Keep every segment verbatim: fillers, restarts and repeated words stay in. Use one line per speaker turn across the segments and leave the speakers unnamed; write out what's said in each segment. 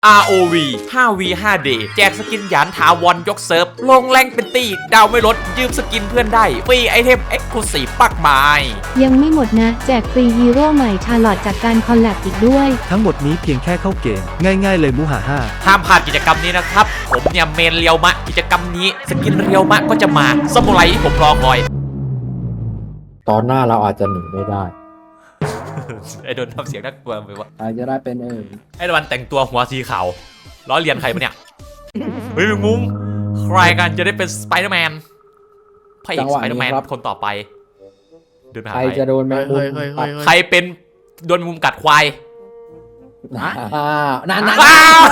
อาร์ โอ วี ห้า วี ห้า เดย์ แจกสกินหยานถาวรยกเซิร์ฟลงแรงเป็นตีดาวไม่ลดยืมสกินเพื่อนได้ฟรีไอเทมเอ็กซ์คลูซีฟปักไม้
ยังไม่หมดนะแจกฟรีฮีโร่ใหม่ชาร์ลอตจากการคอลแลบอีกด้วย
ทั้งหมดนี้เพียงแค่เข้าเกมง่ายๆเลยมูหาห้า
ห้ามพลาดกิจกรรมนี้นะครับผมเนี่ยเมนเรียวมะกิจกรรมนี้สกินเรียวมะก็จะมาสมุไรที่ผมรอคอย
ตอนหน้าเราอาจจะหนีไม่ได้
ไอโดนทำเสียงน่ากลัวไปวะ
อาจจะได้เป็นเอง
ไอโดนแต่งตัวหัวสีขาวล้อเลียนใครปะเนี่ยเฮ้ยมุ้งใครกันจะได้เป็นสไปเดอร์แมนพระเอกสไปเดอร์แมนคนต่อไปเดินไปหาใคร
จะโดนแมงมุม
ใครเป็นโดนมุมกัดควาย
อ่านาน
ๆว้าว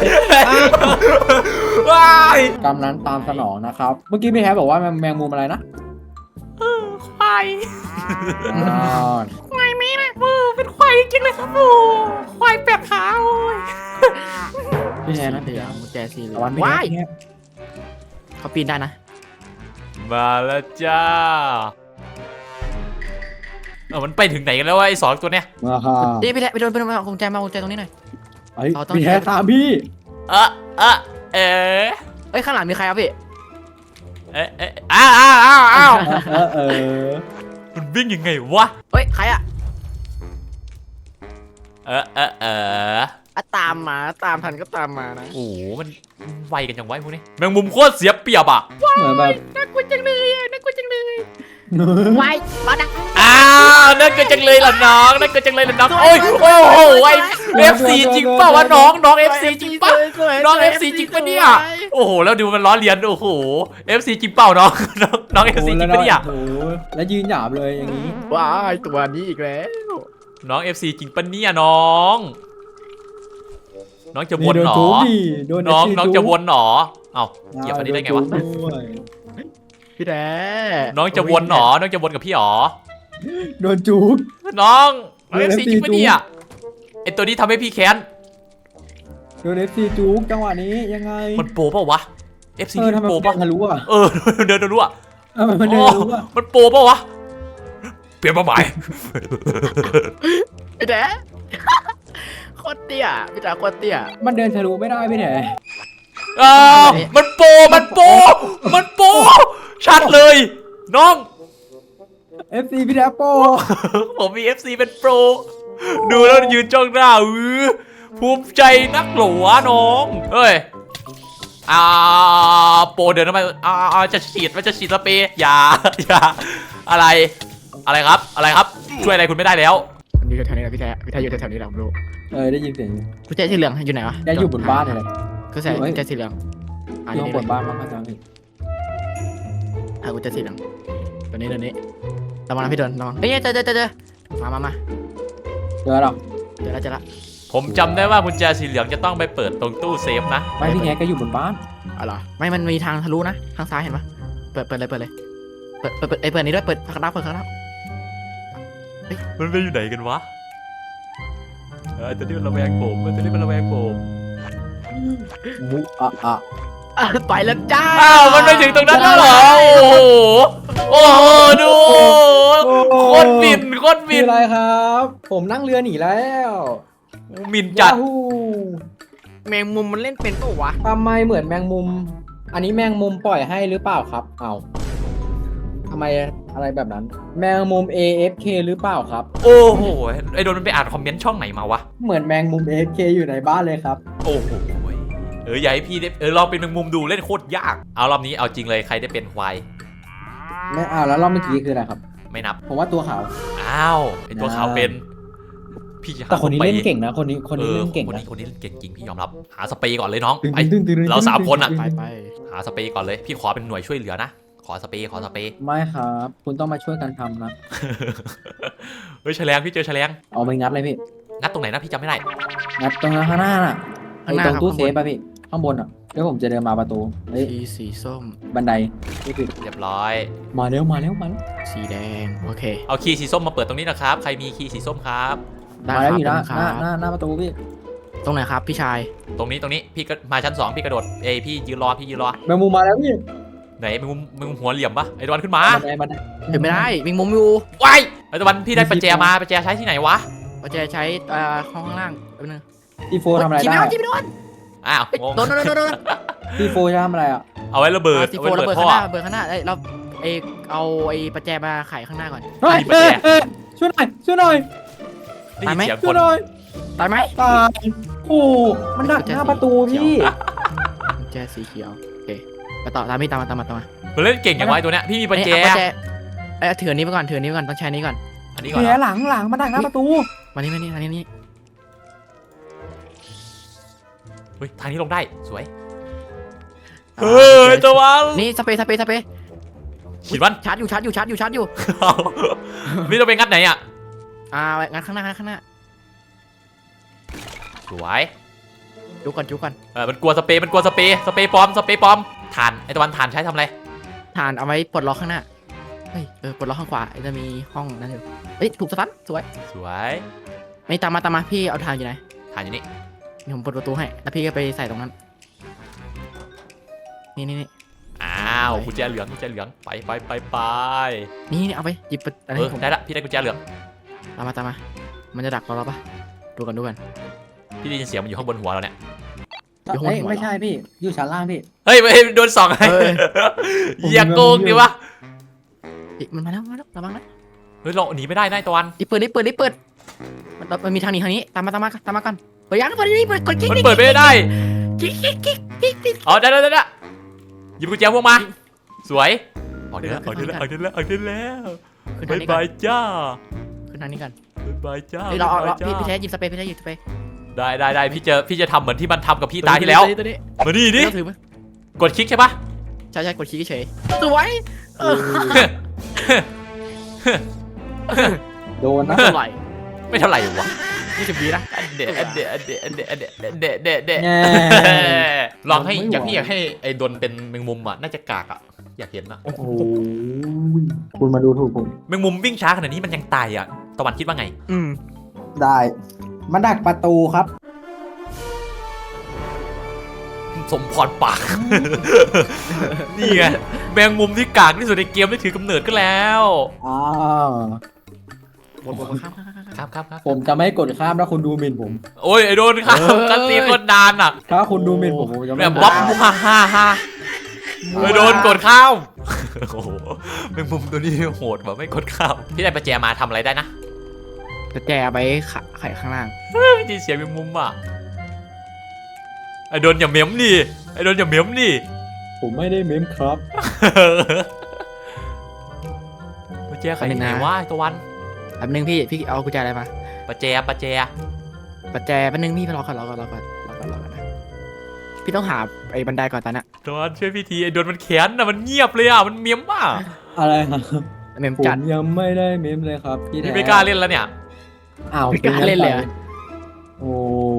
ว้าย
กำนั้นตามสนองนะครับเมื่อกี้พี่แฮบอกว่าแมงมุมอะไรนะ
ควายควายมีนะโอ้เป็นควายจริงเลยครับโอ้ควายแปดขาโอ้ย
พี่แฮนะ
เดี๋ยวมุแจซีเลย
ว้าย
เขาปีนได้นะ
มาแล้วจ้าเออมันไปถึงไหนกันแล้ววะไอ้สองตัวเนี้ย
เดี๋ยวไปแล้วไปโดนไปโดนกุญแจมากุญแจตรงนี้หน่อย
พี่แฮตามพี่
เออเออเออ
เอ้ยข้างหลังมีใครครับพี่
เอ๊ะเอ๊ะอ้าวอ้าวอ้าวอ้าว
เออ
มันวิ่งยังไงวะ
เฮ้ยใครอะ
เออเออเออ
ตามมาตามทันก็ตามมานะ
โอ้โหมันไวกันจังไวพวกนี้แมงมุมโคตรเสียเปรียบอ่ะ
เหมือนแบบ
น่ากลัวจังเลยน่ากลัวจังเลยไวมาดัง
อ้าวน่ากลัวจังเลยล่ะน้องน่ากลัวจังเลยล่ะน้องโอ้ยโอ้โหไอเอฟซีจริงเปล่าวะน้องน้องเอฟซีจริงป่ะน้องเอฟซีจริงปะเนี่ยโอ้โหแล้วดูมันล้อเลียนโอ้โหเอฟซีจริงเปล่าน้องน้องน้องเอฟซีจริงปะเนี่ย
โอ้โหแล้วยืนหยาบเลยอย่างนี้
ว้ายตัวนี้อีกแล้ว
น้องเอฟซีจริงปะเนี่ยน้องน้องจะวนหรอน้องน้องจะวนหรอเอ้าเหยียบอันนี้ได้ไงวะ
พี่แด
น้องจะวนหรอน้องจะวนกับพี่หรอ
โดนจุก
น้องเอฟซีจริงปะเนี่ยไอตัวนี้ทำให้พี่แค้น
โดนเอฟซีจุกจังหวะนี้ยังไง
มันโปป่าวะเอฟซีโปป่ะ
ทะลุอ่ะ
เออเดินทะลุอ่ะ
มันเดินทะลุอ่ะ
มันโปป่าวะเปลี่ยนเป้าหมาย
พี่แดโคตรเตี้ยพี่ตาโคตรเตี้ย
มันเดินทะลุไม่ได้พี่แด
อ้ามันโปมันโปมันโปชัดเลยน้อง
เอฟ ซี พี่แดโป
ผมมี เอฟ ซี เป็นโปรดูแล้วยืนจ้องหน้าอือภูมิใจนักหลวน้องเฮ้ยอ่าโปรเดินทำไมอ่าจะฉีดมันจะฉีดสเปรย์อย่าอย่าอะไรอะไรครับอะไรครับช่วยอะไรคุณไม่ได้แล้ว
อยู่แถวนี้แหละพี่แท้พี่แท้อยู่แถวนี้แหละผมรู้
เออได้ยินเสียง
กุญแจสีเหลืองอยู่ไหนวะ
ได้อยู่บนบ้านเลย
ก็ใส่กุญแจสีเหลือง
อยู่บนบ้านมั้งอาจารย์
อ่ะกุญแจสีเหลืองตัวนี้ตัวนี้ระวังนะพี่เดินระวังเฮ้ยเจอเจอเจอเจอมามามา
เจอหรอ
เจอแล้วเจอแล้ว
ผมจำได้ว่ากุญแจสีเหลืองจะต้องไปเปิดตรงตู้เซฟนะ
ไม่พี่แกก็อยู่บนบ้าน
อ๋อไม่มันมีทางทะลุนะทางซ้ายเห็นปะเปิดเปิดเลยเปิดเลยเปิดเปิดเปิดนี้ด้วยเปิดข้างหน้าเปิดข้างหน้า
มันไปอยู่ไหนกันวะเออตัวนี้มันระแวงผมตัวนี้มันระแวงผม
มุอะอะ
ไปแล้วจ้า
อ้าวมันไปถึงตรงนั้นแล้วเหรอโอ้โหโอ้โหดูโคตรบินโคตรบิน
อะไรครับผมนั่งเรือหนีแล้ว
มินจัด
แมงมุมมันเล่นเป็นตัววะ
ทำไมเหมือนแมงมุมอันนี้แมงมุมปล่อยให้หรือเปล่าครับเอาทำไมอะไรแบบนั้นแมงมุม เอ เอฟ เค หรือเปล่าครับ
โอ้โหไอโดนมันไปอ่านคอมเมนต์ช่องไหนมาวะ
เหมือนแมงมุม เอ เอฟ เค อยู่ในบ้านเลยครับ
โอ้โหเอออย่าให้พี่ได้เออลองเป็นแมงมุมดูเล่นโคตรยากเอารอบนี้เอาจริงเลยใครได้เป็นควาย
ไม่เอาแล้วรอบเมื่อกี้คืออะไรครับ
ไม่นับ
ผมว่าตัวขาว
อ้าวไอตัวขาวเป็นพี่
แต่คนนี้เล่นเก่งนะคนนี้คนนี้เล่นเก่ง
นะคนนี้เล่นเก่งจริงพี่ยอมรับหาสเปรย์ก่อนเลยน้องไปเราสามคนอ่ะ
ไปไป
หาสเปรย์ก่อนเลยพี่ขอเป็นหน่วยช่วยเหลือนะขอสเปรย์ขอสเปรย์
ไม่ครับคุณต้องมาช่วยกันทำนะ
เฮ้ยแฉลงพี่เจอแฉลง
เอาไปงัดเลยพี่
งัดตรงไหนนะพี่จำไม่ได้
งัดตรงข้างหน้าน่ะไอ้ตรงตู้เซฟป่ะพี่ข้างบนอ่ะเดี๋ยวผมจะเดินมาประตู
เฮ้ยสีส้ม
บันไดนี่คือ
เรียบร้อย
มาเร็วมาเร็วมาแล้ว
สีแดงโอเค
เอาคีย์สีส้มมาเปิดตรงนี้นะครับใครมีคีย์สีส้มครับ
มาแล้วอยู่หน้าหน้าหน้าประตูพี่
ตรงไหนครับพี่ชาย
ตรงนี้ตรงนี้พี่ก็มาชั้นสองพี่กระโดดเอยพี่ยืนรอพี่ยืนรอ
แมงมุมมาแล้วพี่
ไหนมึงมึงหัวเหลี่ยมปะไอ้ตะวันขึ้นมา
บันไดบันได
เห็นไม่ได้มิงมุมอยู่
ว้ายไอ้ตะวันพี่ได้ปัจแจมาปัจแจใช้ที่ไหนวะ
ปัจแจใช้อ่าห้องล่างแป๊บนึง
อีโฟทำอะไรได้
จิ้มไม่โดนจิ้มไม่โดน
อ้าว
เฮ้ย
งง
โดนโดนโดนโดน
พี่โฟจะทำอะไรอ่ะ
เอาไว้ระเบิด
ซี
เอา
โฟ
ไว้ระ
ระ
เบิ
เบิ
ด
ด
ท่
ข้าง
อ
หน้าระเบิดข้างหน้าเอ้ยเราเอยเอาไอ้ประแจมาไขข้างหน้าก่อน
เฮ้ย
มีประ
เอ้
แจ
ยเอ้ยช่วยหน่อยช่วยหน่อย
ได้ยินเสียง
ช่
ค
วย
น
หน่อย
ตายไหม
ตายโอ้มันดักหน้าประตูพี่
ประแจสีเขียวโอเคไปต่อตามพี่ตามมาตามมาตามมา
มันเล่นเก่งอย่างไวะไอ้ตัวเนี้ยพี่มีประแจ
เอ้ยเอาประแจเอ้ยถืออันนี้ไปก่อนถืออันนี้ไปก่อนต้องใช้อันนี้ก่อน
อันนี้ก่อน
แผล
เหรอ
หลังหลังมันดักหน้าประตู
มานี่มานี่มานี่นี่
เฮ้ยทางนี้ลงได้สวยเฮ้ยตะวัน
นี่สเปรย์สเปรย์สเปรย์
ขีดวัน
ชาร์จอยู่ชาร์จอยู่ชาร์จอยู่ชาร์จอยู่
นี่เราไปงัดไหนอ่ะ
อ่างั้นข้างหน้างั้นข้างหน้า
สวย
จุกก่อนจุกก่อน
เออมันกลัวสเปรย์มันกลัวสเปรย์สเปรย์ปลอมสเปรย์ปลอมฐานไอตะวันฐานใช้ทำอะไร
ฐานเอาไว้ปลดล็อกข้างหน้าเฮ้ยเออปลดล็อกข้างขวาจะมีห้องนั้นอยู่เฮ้ยถูกสตันสวย
สวย
ไม่ตามมาตามมาพี่เอาฐานอยู่ไหน
ฐานอยู่นี่
เดี๋ยวผมเปิดประตูให้แล้วพี่ก็ไปใส่ตรงนั้นนี่นี่นี่
อ้าวกุญแจเหลืองกุญแจเหลืองไปไปไปไป
นี่นี่เอาไปหยิบไปอัน
เอ
นี้
อ
ผม
ได้ละพี่ได้กุญแจเหลือง
ตามมาตามมามันจะดักเราแล้วปะดูกันดูกัน
พี่ได้ยินเสียงมันอยู่ข้างบนหัวเราเนี่ย
อยู่ข้างบน
เอ้ย
หัว
ไม่ใช่พี่อยู่ชั้นล่างพี่
เฮ้ยเฮ้ยโดนสองไง
เฮ้ย
อย่าโกงดิวะ
เฮ้ยมันมาแล้วมาแล้วระวังนะ
เฮ้ยเราหนีไม่ได้นะไอ้ตะวัน
รีบเปิดรีบเปิดรีบเปิดมันมันมีทางนี้ทางนี้ตามมาตามมาตามมาก่อนเปิดยังเปิดนี่เปิดกดกิ๊ก
มันเปิดไม่ได้
กิ๊กกิ๊กกิ๊กกิ๊กกิ๊ก
อ๋อได้ได้ได้ได้หยิบกุญแจพวกมาสวยออกได้แล้วออกได้แล้วออกได้แล้วออกได้แล้ว
ขึ้นทา
บาง ย
นี้ก่อบ
าน ยจ้า
ขึ้นทางนี้ก่อน
บายบายจ้า
เฮ้ยเราเอาเรา
บ๊ยบย
พี่
จ้
พี่แท้หยิบสเปรย์พี่แท้หยิบสเปรย์
ได้ได้ได้พี่จะพี่จะทำเหมือนที่มันทำกับพี่ตาที่แล้ว
ตัวนี้
มานี่ดิ
ตัวนี้ถือไหม
กดคลิกใช่ปะ
ใช่ใช่กดคลิกเฉยสวยเออ
โดนนะ
เท่าไหร่
ไม่เท่าไหร่วะ
ยี่สิบวินะ
อันเดะอันเดะอันเดะอันเดะอันเดะอันเดะเดะเดะ
แง่
ลองให้
ไม่ไหว
อยากพี่อยากให้ไอ้ดนเป็นแมงมุมอ่ะน่าจะกากอ่ะอยากเห็นอ่ะ
โอ้โหคุณมาดูถูกผม
แมงมุมวิ่งช้าขนาดนี้มันยังตายอ่ะตะวันคิดว่าไง
อืม
ได้มันดักประตูครับ
สมพรปาก นี่ไงแมงมุมที่กากที่สุดในเกมได้ถือกำเนิดก็แล้ว
อ้าว
บนบนข้ามข้ามข้าม
ครับครับครับ
ผมจะไม่กดข้ามถ้าคุณดูหมิ่นผม
โอ้ยไอ้โดนครับกันตีคนดานอ่ะ
ถ้าคุณดูหมิ่นผมผมจะ
แบ
ไม่
บบ๊อบฮ่าฮ่าฮ่าไอ้โดนกดข้าวโอ้โหแมงมุมตัวนี้โหดแบบไม่กดข้าวพี่ได้ประแจมาทำอะไรได้นะ
จะแจไปขาไข่ข้างล่าง
ไม่ได้เสียงแมงมุมอ่ะไอ้โดนอย่าเหม็มดิไอ้โดนอย่าเหม็มดิ
ผมไม่ได้เมมครับ
ประแจใครที่ไหนวะไอ้ตะวัน
แป๊บนึงพี่พี่เอากุญแจอะไรมา
ประแจประแจ
ปัจแจแป๊บนึงพี่ไปรอก่อนรอก่อนรอก่อนรอก่อนรอก่อนนะพี่ต้องหาไอ้บันไดก่อนตอนน่ะ
ตะวันช่วยพี่ทีไอ้โดนมันแขนนะมันเงียบเลยอ่ะมันเมียมอ่ะ
อะไรครับ
เมม
ผม
จัด
ยังไม่ได้เมมเลยครับพี่แท้
พี่ไม่กล้าเล่นแล้วเนี่ย
อ้าว
ไม่กล้าเล่นเลยเหรอ
โอ้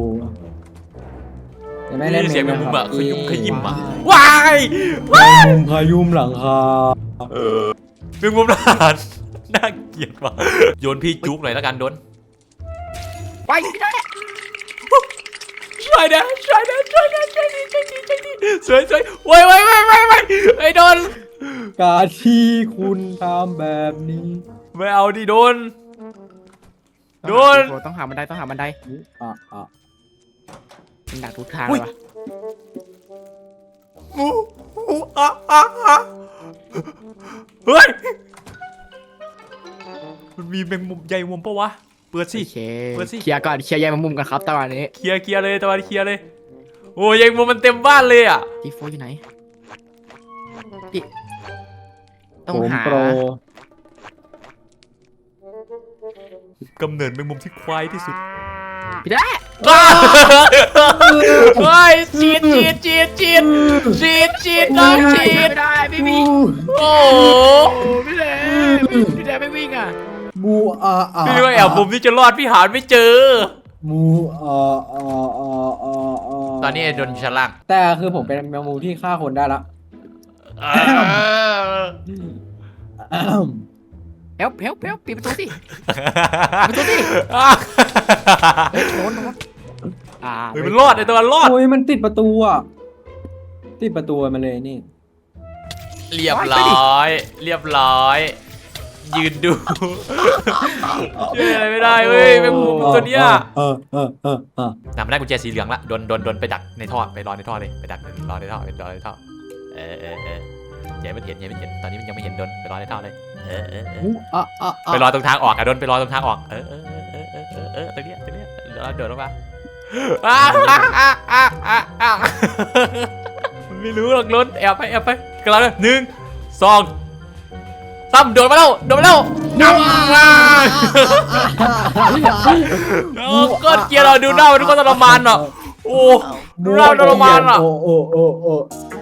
ยังไม่
ได้
เล่น
ยินเสียงแมงมุมอ่ะข
เล
ยุมขยิมอ่ะ
ค
ว้าย
รับแมงมุมพายุมหลังคา
แมงมุมทหารน่าเกลียดว่ะโยนพี่จุกหน่อยแล้วกันโดน
ไปพี่ได้
ช่วยนะช่วยนะช่วยนะช่วยดีช่วยดีช่วยดีสวยสวยโว้ยโว้ยโว้ยโว้ยโว้ยไอ้โดน
การที่คุณทำแบบนี้
ไม่เอาดิโดน โดน
ต้องหาบันไดต้องหาบันได
อ่ะอ่ะ
มันดักทุกทางเลยวะ
งูงูอ่ะอ่ะอ่ะเฮ้ยมันมีแมงมุมใหญ่มุมปะวะเปิดสิ
โอเค
เปิดสิ
เคลียร์ก่อนเคลียร์แยกมุมกันครับตอนนี้
เคลียร์เคลียร์เลยตะวันเคลียร์เลยโอ้ยยังมุมมันเต็มบ้านเลยอ่ะ
ทีโฟอยู่ไหนพี่ต้อ
ผ
ง
ม
หา
โปร
กำเนิดแมงมุมที่ควายที่สุด
พี่ได้
เฮ้ยจีดจีดจีดจีดจีดจีดน้องจีด
ไม่ได้พี่พี่
โอ้
โอ้พี่แดงพี่แดงไม่วิ่งอ่ะ
มูอ่ะอ่ะ
พี่ว่าแอบมุมที่จะรอดพี่หาไม่เจอ
มูอ่ะอ่ะอ่ะอ่ะอ่ะ
ตอนนี้โดนชั้นล่าง
แต่คือผมเป็นแมงมุมที่ฆ่าคนได้ละ
เฮลเฮลเฮลปิดประตูสิปิดประตูสิเฮ้ยโดนโดนอ่า
เฮ้ยมันรอดไอตัวมันรอด
โอ้ยมันติดประตูอ่ะติดประตูมันเลยนี่
เรียบร้อย เรียบร้อยยืนดูช่วยอะไรไม่ได้เว้ยแมงมุมตัวเนี้ย
เออเออเออเออ
น่ะมันได้กุญแจสีเหลืองละโดนโดนโดนไปดักในท่อไปรอในท่อเลยไปดักรอในท่อไปรอในท่อเออเออเอออย่าให้มันเห็นอย่าให้มันเห็นตอนนี้มันยังไม่เห็นโดนไปรอในท่อเลยเออเออเออ
อ่ะอ่ะอ่ะ
ไปรอตรงทางออกอะโดนไปรอตรงทางออกเออเออเออเออเออเออตรงเนี้ยตรงเนี้ยแล้วเดินลงมาอ้าอ้าอ้าอ้าอ้าอ้าไม่รู้หรอกล้นแอบไปแอบไปกระเราเลยหนึ่งสองสามโดดมาแล้วโดดมาแล้วงับมาโอ้ก็เกียร์เราดูหน้ามันทุกคนทรมานอ่ะโอ้ดูหน้าทรมานอ่ะ
โอ้โอ้โอ้โอ้